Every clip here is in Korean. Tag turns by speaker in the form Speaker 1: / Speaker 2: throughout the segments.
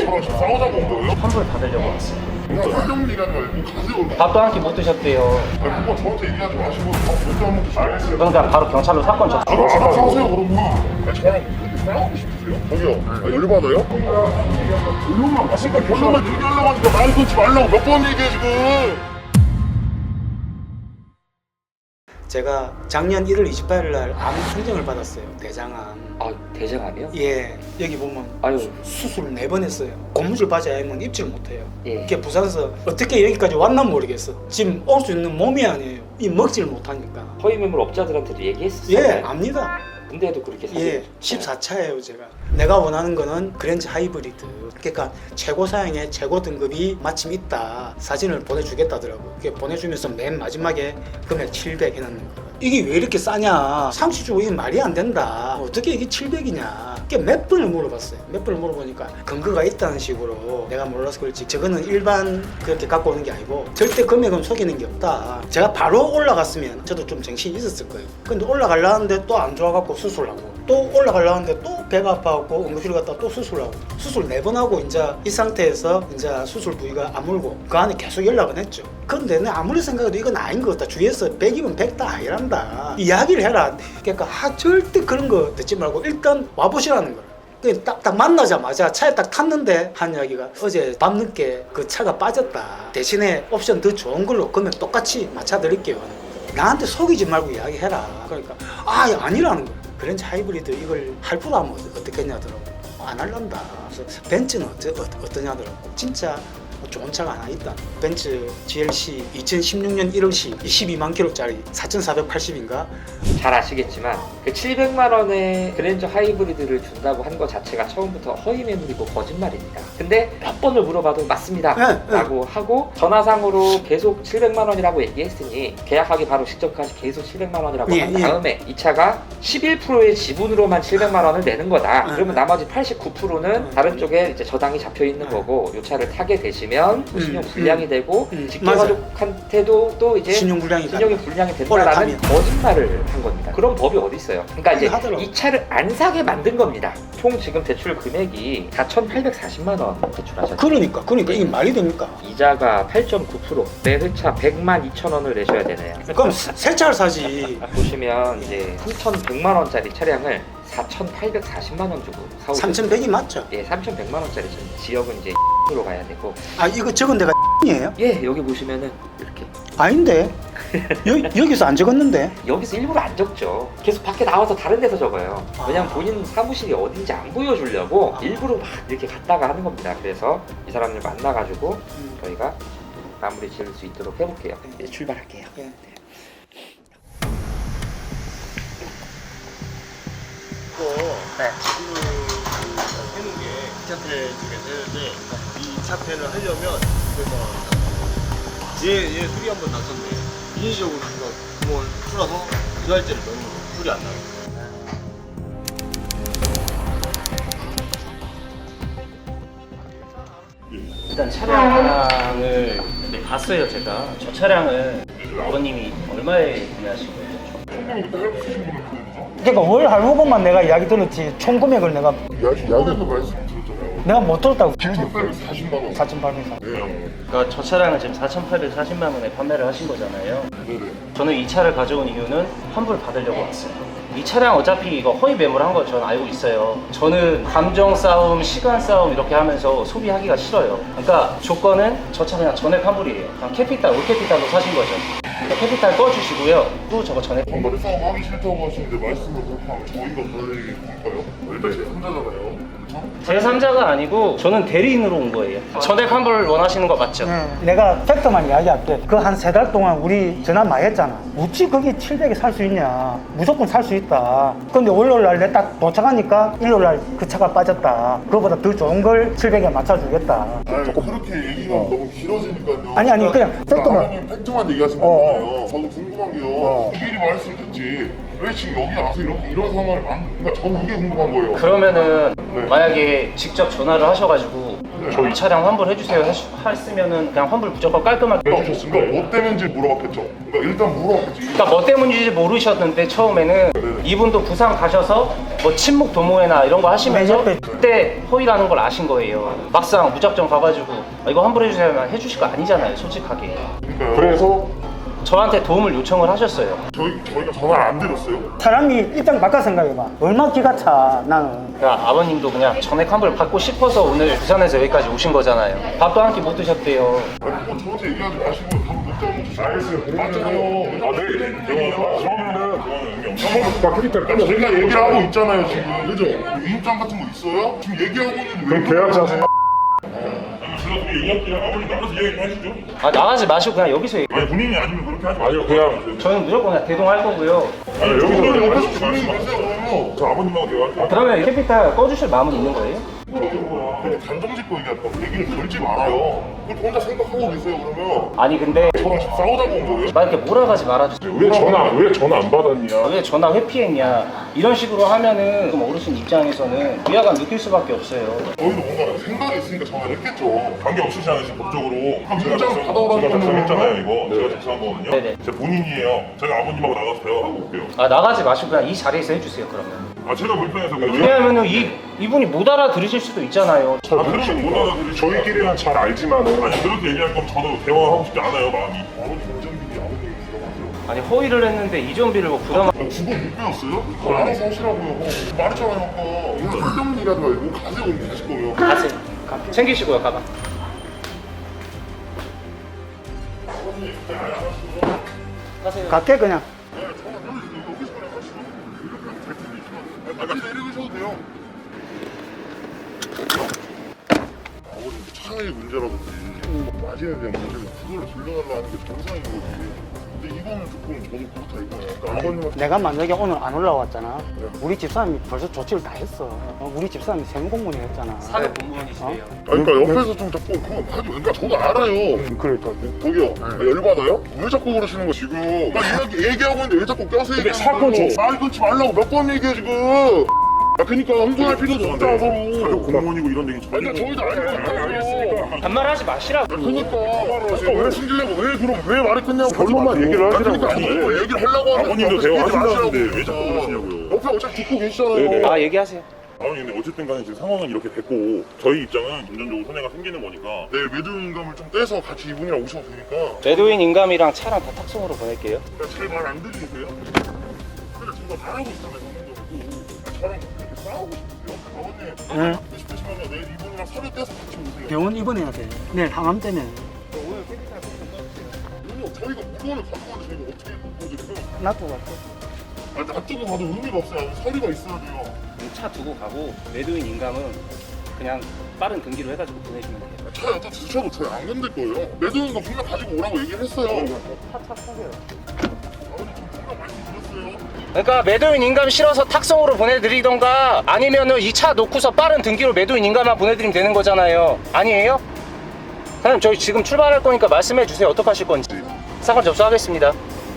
Speaker 1: 저랑 지금 싸우자고 온 거예요?
Speaker 2: 환불 받으려고 왔어요.
Speaker 1: 그냥 설명 얘기하지 말고 가세요.
Speaker 2: 밥도 한 끼 못 드셨대요.
Speaker 1: 그거 저한테 얘기하지 마시고 밥몇잔 먹고 알겠어요.
Speaker 2: 그러니까 바로 경찰로 사건 접수.
Speaker 1: 바로 사세요 그러면. 저랑 싸우고 싶으세요? 저기요. 열받아요? 결론만 봤으니까 결론만 얘기하려고 하니까 말 끊지 말라고 몇 번 얘기해 지금.
Speaker 3: 제가 작년 1월 28일 날 암 판정을 받았어요. 대장암.
Speaker 4: 아, 대장암이요?
Speaker 3: 예, 여기 보면
Speaker 4: 아유,
Speaker 3: 수술 4번 했어요. 고무줄 바지 아니면 입질 못해요.
Speaker 4: 예.
Speaker 3: 이게 부산에서 어떻게 여기까지 왔나 모르겠어. 지금 올 수 있는 몸이 아니에요. 이 먹질 못하니까.
Speaker 4: 허위 매물 업자들한테도 얘기했었어요.
Speaker 3: 예, 압니다.
Speaker 4: 근데도 그렇게 사실.
Speaker 3: 예, 14차예요 제가. 내가 원하는 거는 그랜저 하이브리드. 그러니까 최고 사양의 최고 등급이 마침 있다. 사진을 보내주겠다더라고. 그게 보내주면서 맨 마지막에 금액 700 해놓는 거야. 이게 왜 이렇게 싸냐? 상시 주고 이게 말이 안 된다. 어떻게 이게 700이냐? 이게 몇 번을 물어봤어요. 몇 번을 물어보니까 근거가 있다는 식으로 내가 몰라서 그렇지. 저거는 일반 그렇게 갖고 오는 게 아니고 절대 금액은 속이는 게 없다. 제가 바로 올라갔으면 저도 좀 정신이 있었을 거예요. 근데 올라가려는데 또 안 좋아갖고 수술하고 또 올라가려는데 또 배가 아파갖고 응급실 갔다 또 수술하고 수술 4번 하고 이제 이 상태에서 이제 수술 부위가 아물고 그 안에 계속 연락은 했죠. 근데 내 아무리 생각해도 이건 아닌 것 같다. 주위에서 100이면 100다 아니란다. 이야기를 해라. 그러니까 절대 그런 거 듣지 말고 일단 와보시라는 거야. 딱 만나자마자 차에 딱 탔는데 한 이야기가 어제 밤늦게 그 차가 빠졌다. 대신에 옵션 더 좋은 걸로 금액 똑같이 맞춰드릴게요. 나한테 속이지 말고 이야기해라. 그러니까 아니라는 거야. 그랜저 하이브리드 이걸 할부로 하면 어떻겠냐더라고. 안 할란다. 그래서 벤츠는 어떠냐더라고. 진짜 좋은 차가 하나 있다. 벤츠 GLC 2016년 1월시 22만 킬로짜리 4,480인가?
Speaker 4: 잘 아시겠지만 그 700만 원의 그랜저 하이브리드를 준다고 한 것 자체가 처음부터 허위 매물이고 거짓말입니다. 근데 몇 번을 물어봐도 맞습니다 라고 하고 전화상으로 계속 700만 원이라고 얘기했으니 계약하기 바로 직전까지 계속 700만 원이라고 한 다음에 이 차가 11%의 지분으로만 700만 원을 내는 거다. 그러면 나머지 89%는 다른 쪽에 이제 저당이 잡혀 있는 거고 이 차를 타게 되시면 신용 불량이 되고 직계가족한테도 또 이제 신용이 불량이 된다라는 거짓말을 한 겁니다. 그런 법이 어디 있어요? 그러니까 이제 이 차를 안 사게 만든 겁니다. 총 지금 대출 금액이 4,840만 원 대출하셨죠.
Speaker 3: 그러니까 이게 말이 됩니까?
Speaker 4: 이자가 8.9%, 매 회차 100만 2천 원을 내셔야 되네요.
Speaker 3: 그럼 새 차를 사지.
Speaker 4: 보시면 이제 3,100만 원짜리 차량을 4,840만 원 주고 사오고
Speaker 3: 3,100이 맞죠?
Speaker 4: 예, 3,100만 원짜리 지역은 이제 으로 가야 되고.
Speaker 3: 이거 적은 데가 이에요?
Speaker 4: 예, 여기 보시면은 이렇게.
Speaker 3: 아닌데? 여기서 안 적었는데?
Speaker 4: 여기서 일부러 안 적죠. 계속 밖에 나와서 다른 데서 적어요. 왜냐면 본인 사무실이 어딘지 안 보여주려고 일부러 막 이렇게 갔다가 하는 겁니다. 그래서 이 사람들 만나가지고 저희가 마무리 지을 수 있도록 해볼게요. 이제 출발할게요.
Speaker 3: 네.
Speaker 5: 해놓은 게 2차패 중에서 했는데 이 2차패를 하려면 그래서 얘 술이 한번 났었네. 인위적으로 구멍을 풀어서 그 할제를 넣는 거 술이 안 나게.
Speaker 2: 일단 차량을 봤어요 제가. 저 차량을 아버님이 얼마에 구매하신 거예요?
Speaker 3: 그러니까 월 할부금만 내가 이야기 들었지 총 금액을 내가
Speaker 1: 야구에서 말씀 드렸잖아요.
Speaker 3: 내가 못 들었다고.
Speaker 1: 4,840만 원.
Speaker 3: 4,800.
Speaker 1: 네.
Speaker 2: 그러니까 저 차량을 지금 4,840만 원에 판매를 하신 거잖아요.
Speaker 1: 네네.
Speaker 2: 저는 이 차를 가져온 이유는 환불 받으려고 왔어요. 이 차량 어차피 이거 허위 매물한 거 저는 알고 있어요. 저는 감정 싸움, 시간 싸움 이렇게 하면서 소비하기가 싫어요. 그러니까 조건은 저 차 그냥 전액 환불이에요. 그냥 캐피탈, 올캐피탈로 사신 거죠. 그러니까 캐피탈 꺼주시고요. 또 저거 전액.
Speaker 1: 머리 싸움 하기 싫다고 하시는데 말씀을 그렇게 하면 저희가 왜 볼까요? 일단 제3자잖아요.
Speaker 2: 제3자가 아니고 저는 대리인으로 온 거예요. 전액 환불 원하시는 거 맞죠?
Speaker 3: 내가 팩트만 이야기할게. 그 한 3달 동안 우리 전화 많이 했잖아. 어찌 거기 700에 살 수 있냐. 무조건 살 수 있다. 근데 월요일날 내 딱 도착하니까 일요일날 그 차가 빠졌다. 그거보다 더 좋은 걸 700에 맞춰주겠다.
Speaker 1: 그렇게 얘기가 너무 길어지니까요.
Speaker 3: 아니, 그냥 팩트만.
Speaker 1: 아버님 팩트만 얘기하신 거잖아요. 저도 궁금한 게요. 미리 말씀드렸지 거지. 왜 지금 여기 와서 이런 상황을 그러니까 저는 이게 궁금한 거예요.
Speaker 2: 그러면은
Speaker 1: 네.
Speaker 2: 만약에 직접 전화를 하셔가지고 이 차량 환불해주세요 했으면은 그냥 환불 무조건 깔끔하게
Speaker 1: 해주셨으니까 뭐 때문인지 물어봤겠죠. 그러니까 일단 물어봤겠지.
Speaker 2: 그러니까 뭐 때문인지 모르셨는데 처음에는 이분도 부산 가셔서 뭐 친목 도모회나 이런 거 하시면서 그때 허위라는 걸 아신 거예요. 막상 무작정 가가지고 이거 환불해주세요 해주실 거 아니잖아요, 솔직하게.
Speaker 1: 그러니까요. 그래서
Speaker 2: 저한테 도움을 요청을 하셨어요.
Speaker 1: 저희가 전화를 안 드렸어요.
Speaker 3: 사람이 입장 바꿔 생각해봐. 얼마 기가 차 나는.
Speaker 2: 그러니까 아버님도 그냥 전액 환불 받고 싶어서 오늘 부산에서 여기까지 오신 거잖아요. 밥도 한 끼 못 드셨대요.
Speaker 1: 아니 뭐 저한테 얘기하지 마시고 밥 먹자고 주시고. 알겠어요. 맞잖아요. 그러면은 캐릭터를 까면 저희가 얘기를 하고 있잖아요 지금. 그죠? 위임장 같은 거 있어요? 지금 얘기하고 있는데 그럼 계약자
Speaker 2: 아 나가지 마시고 그냥 여기서 얘기.
Speaker 1: 아니 본인이 아니면 그렇게 하지 마세요. 그냥
Speaker 2: 저는 무조건 그냥 대동할 거고요.
Speaker 1: 아니 여기서 옆에서 주민이 마세요 그러면. 저 아버님하고 대화할게요.
Speaker 2: 그러면 캐피탈 꺼주실 마음은 있는 거예요?
Speaker 1: 그렇게 단정 짓고 얘기할까 얘기를 걸지 말아요. 그걸 혼자 생각하고 계세요 그러면.
Speaker 2: 아니 근데
Speaker 1: 저랑 지금 싸우자고 온 거예요?
Speaker 2: 막 이렇게 몰아가지 말아주세요.
Speaker 1: 왜 전화 안 받았냐?
Speaker 2: 왜 전화 회피했냐 이런 식으로 하면은 그럼 어르신 입장에서는 위화감 느낄 수밖에 없어요.
Speaker 1: 저희도 뭔가 생각이 있으니까 전화를 했겠죠. 관계 없으시잖아요 지금 법적으로. 제가 작성했잖아요 이거. 제가 작성한 거거든요.
Speaker 2: 네네.
Speaker 1: 제 본인이에요. 제가 아버님하고 나가서 대화하고 올게요.
Speaker 2: 아 나가지 마시고 그냥 이 자리에서 해주세요 그러면.
Speaker 1: 아 제가 불편해서 그래요?
Speaker 2: 왜냐하면은 이분이 못 알아들으실 수도 있잖아요.
Speaker 1: 아 그러면 못 알아들으시 저희끼리는 잘 알지만 아니 그렇게 얘기할 거면 저도 대화하고 싶지 않아요 마음이. 아버님 운전비리 아버님이 들어가세요.
Speaker 2: 아니 허위를 했는데 이전비를 뭐 부담.
Speaker 1: 주거 못 배웠어요? 그걸 알아서 하시라고요. 말했잖아요 아까. 오늘 쓸데없는 얘기 하지 말고 가세요 오늘 가실 거면.
Speaker 2: 가세요. 챙기시고요 가방.
Speaker 3: 갈게 그냥.
Speaker 1: 아까 내리셔도 돼요. 아버님 차의 문제라든지 마진에 대한 문제는 그걸 돌려달라는 게 정상인 거지. 근데 이거는 조금 저도 그렇다 이거예요. 그러니까 아버님한테
Speaker 3: 내가 만약에 오늘 안 올라왔잖아. 우리 집사람이 벌써 조치를 다 했어. 우리 집사람이 세무공무원이 했잖아.
Speaker 2: 사급 공무원이시래요.
Speaker 1: 그러니까 옆에서 좀 자꾸 그건 하지. 그러니까 저도 알아요. 그러니까 저기요. 열받아요? 왜 자꾸 그러시는 거 지금? 나 얘기하고 있는데 왜 자꾸 껴서 얘기하는 거예요? 사건 말 끊지 말라고 몇 번 얘기해 지금. 아 그러니까 흥분할 필요도 없다 서로. 사급 공무원이고 이런 얘기 전혀. 그러니까 저희도 알겠어요.
Speaker 2: 반말하지 마시라고.
Speaker 1: 그러니까 왜 숨기려고 왜 말이 끝냐고 결론만 얘기를 하시라고. 그러니까 얘기를 하려고 하면 아버님도 대화하신다는데 왜 자꾸 그러시냐고요. 옆에 어차피 듣고 계시잖아요.
Speaker 2: 아 얘기하세요.
Speaker 6: 아버님 근데 어쨌든 간에 지금 상황은 이렇게 됐고 저희 입장은 금전적으로 손해가 생기는 거니까
Speaker 1: 내일 매도인감을 좀 떼서 같이 이분이랑 오셔도 되니까.
Speaker 2: 매도인 인감이랑 차랑 다 탁송으로 보낼게요.
Speaker 1: 제 말 안 들리세요? 근데 지금 잘하고 있잖아요 성민도. 저랑 그렇게 싸우고 싶으세요? 아버님 받고 싶으시면 내일 이분이랑 서류 떼서 같이 오세요.
Speaker 3: 병원 입원해야 돼. 내일 항암 때문에.
Speaker 1: 아니요 저희가 물건을 갖고 와서 저희가 어떻게 보여드려요?
Speaker 3: 놔두고 갈게.
Speaker 1: 아니 놔두고 가도 의미가 없어요. 서류가 있어야 돼요.
Speaker 2: 차 두고 가고 매도인 인감은 그냥 빠른 등기로 해가지고 보내주면 돼요.
Speaker 1: 차 여자 드셔도 저희 안 건들 거예요. 매도인감 분명 가지고 오라고 얘기를 했어요.
Speaker 3: 차차 타세요.
Speaker 1: 아버님 좀 분명 말씀드렸어요.
Speaker 2: 그러니까 매도인 인감 실어서 탁송으로 보내드리던가 아니면은 이 차 놓고서 빠른 등기로 매도인 인감만 보내드리면 되는 거잖아요. 아니에요? 사장님 저희 지금 출발할 거니까 말씀해 주세요. 어떻게 하실 건지. 사건 접수하겠습니다.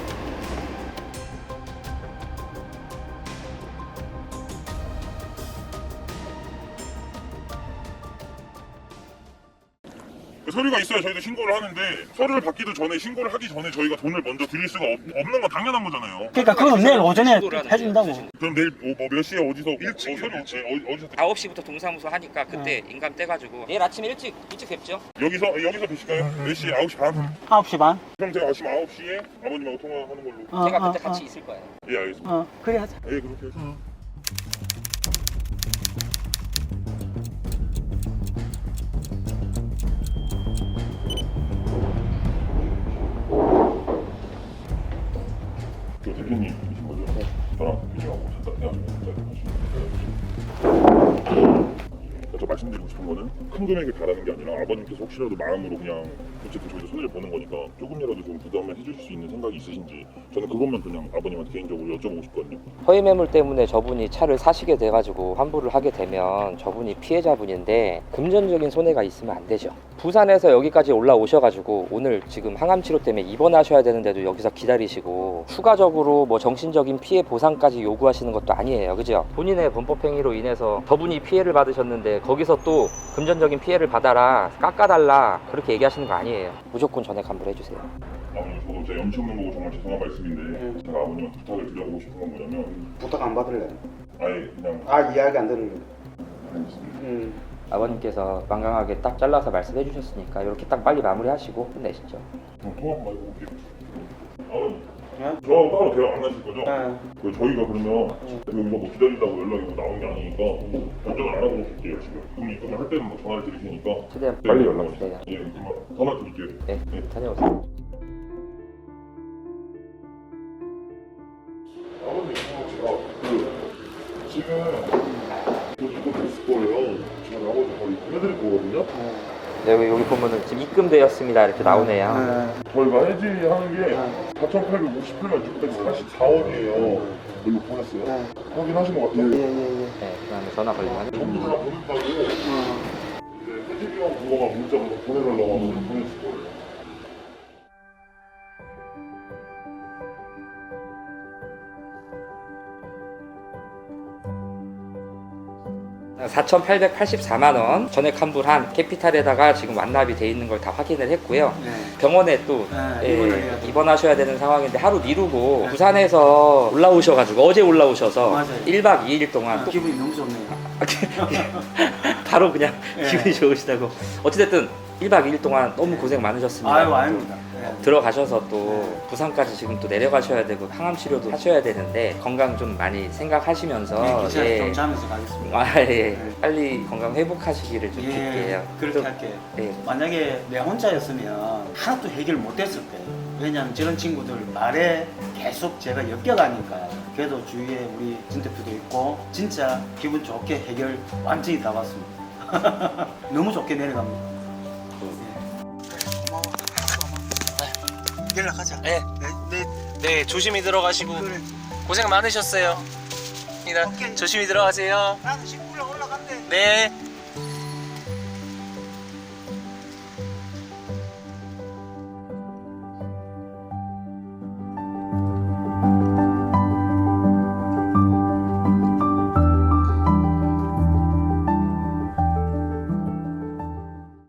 Speaker 6: 그 서류가 있어야 저희도 신고를 하는데 서류를 받기도 전에 신고를 하기 전에 저희가 돈을 먼저 드릴 수가 없는 건 당연한 거잖아요.
Speaker 3: 그러니까 그건 내일 오전에 해준다고.
Speaker 6: 그럼 내일 몇 시에 어디서 서류 어디서
Speaker 4: 9시부터 동사무소 하니까 그때 인감 떼가지고 내일 아침에 일찍 뵙죠.
Speaker 6: 여기서 뵈실까요? 몇 시? 9시 반?
Speaker 3: 9시 반?
Speaker 6: 그럼 제가 아침 9시에 아버님하고 통화하는 걸로.
Speaker 4: 제가 그때 같이 있을 거예요.
Speaker 6: 예 알겠습니다.
Speaker 3: 그래 하자.
Speaker 6: 예 그렇게 해서. 그 대표님이신 거죠? 저랑 미팅하고 잠깐 헤어지면 저 말씀드리고 싶은 거는 큰 금액을 바라는 게 아니라 아버님께서 혹시라도 마음으로 그냥 어쨌든 저희도 손해를 보는 거니까 조금이라도 좀 부담을 해주실 수 있는 생각이 있으신지 저는 그것만 그냥 아버님한테 개인적으로 여쭤보고 싶거든요.
Speaker 4: 허위 매물 때문에 저분이 차를 사시게 돼가지고 환불을 하게 되면 저분이 피해자분인데 금전적인 손해가 있으면 안 되죠. 부산에서 여기까지 올라오셔가지고 오늘 지금 항암 치료 때문에 입원하셔야 되는데도 여기서 기다리시고 추가적으로 뭐 정신적인 피해 보상까지 요구하시는 것도 아니에요, 그죠? 본인의 범법행위로 인해서 저분이 피해를 받으셨는데 거기서 또 금전적인 피해를 받아라, 깎아달라 그렇게 얘기하시는 거 아니에요. 무조건 전액 환불해주세요.
Speaker 6: 아버님 저도 제 염치 없는 거고 정말 죄송한 말씀인데 제가 아버님한테 부탁을 드려보고 싶은 건 뭐냐면
Speaker 3: 부탁 안 받을래?
Speaker 6: 아예 그냥
Speaker 3: 이야기 안 들을래?
Speaker 6: 알겠습니다.
Speaker 4: 아버님께서 완강하게 딱 잘라서 말씀해 주셨으니까 이렇게 딱 빨리 마무리하시고 끝내시죠.
Speaker 6: 그럼 통화 한번 해볼게요. 아버님
Speaker 3: 네?
Speaker 6: 저하고 따로 대화 안 하실 거죠?
Speaker 3: 네.
Speaker 6: 저희가 그러면 여기서 뭐 기다린다고 연락이 뭐 나온 게 아니니까 결정을 안 하고 놓을게요 지금. 그럼 입금을 할 때는 뭐 전화를 드릴 테니까
Speaker 4: 최대한
Speaker 6: 네,
Speaker 4: 빨리
Speaker 6: 연락
Speaker 4: 주세요.
Speaker 6: 예, 그럼 전화 드릴게요.
Speaker 4: 네, 다녀오세요.
Speaker 1: 아버님 제가 지금 이거 됐을 거예요. 지금 아버지 바로 입금해드릴 거거든요.
Speaker 4: 여기 보면은 지금 입금되었습니다 이렇게 나오네요.
Speaker 1: 저희가 해지하는 게 4,858만 644원이에요. 이거 보냈어요. 확인하신 것 같아요.
Speaker 4: 네, 그다음에 전화 걸리면
Speaker 1: 전부 다 보냈다고 이제 해지비용 그거만 문자로 보내달라고 하면 보냈을 거예요.
Speaker 4: 네. 4,884만 원 전액 환불한 캐피탈에다가 지금 완납이 돼 있는 걸 다 확인을 했고요. 병원에 또 입원하셔야 되는 상황인데 하루 미루고 부산에서 올라오셔가지고 어제 올라오셔서
Speaker 3: 맞아요.
Speaker 4: 1박 2일 동안 또
Speaker 3: 기분이 너무 좋네요.
Speaker 4: 바로 그냥 기분이 좋으시다고. 어찌됐든 1박 2일 동안 너무 고생 많으셨습니다.
Speaker 3: 아닙니다.
Speaker 4: 들어가셔서 또 부산까지 지금 또 내려가셔야 되고 항암 치료도 하셔야 되는데 건강 좀 많이 생각하시면서
Speaker 3: 기차 좀 자면서 가겠습니다.
Speaker 4: 빨리 건강 회복하시기를 좀 빌게요.
Speaker 3: 그렇게
Speaker 4: 또-
Speaker 3: 할게요.
Speaker 4: 예.
Speaker 3: 만약에 내 혼자였으면 하나도 해결 못했을 거예요. 왜냐하면 저런 친구들 말에 계속 제가 엮여가니까. 그래도 주위에 우리 진 대표도 있고 진짜 기분 좋게 해결 완전히 다 봤습니다. 너무 좋게 내려갑니다. 고마워. 연락하자.
Speaker 2: 네. 네, 조심히 들어가시고
Speaker 3: 그래.
Speaker 2: 고생 많으셨어요.
Speaker 3: 오케이.
Speaker 2: 조심히 들어가세요.
Speaker 3: 나는 식구랑 올라간대.
Speaker 2: 네.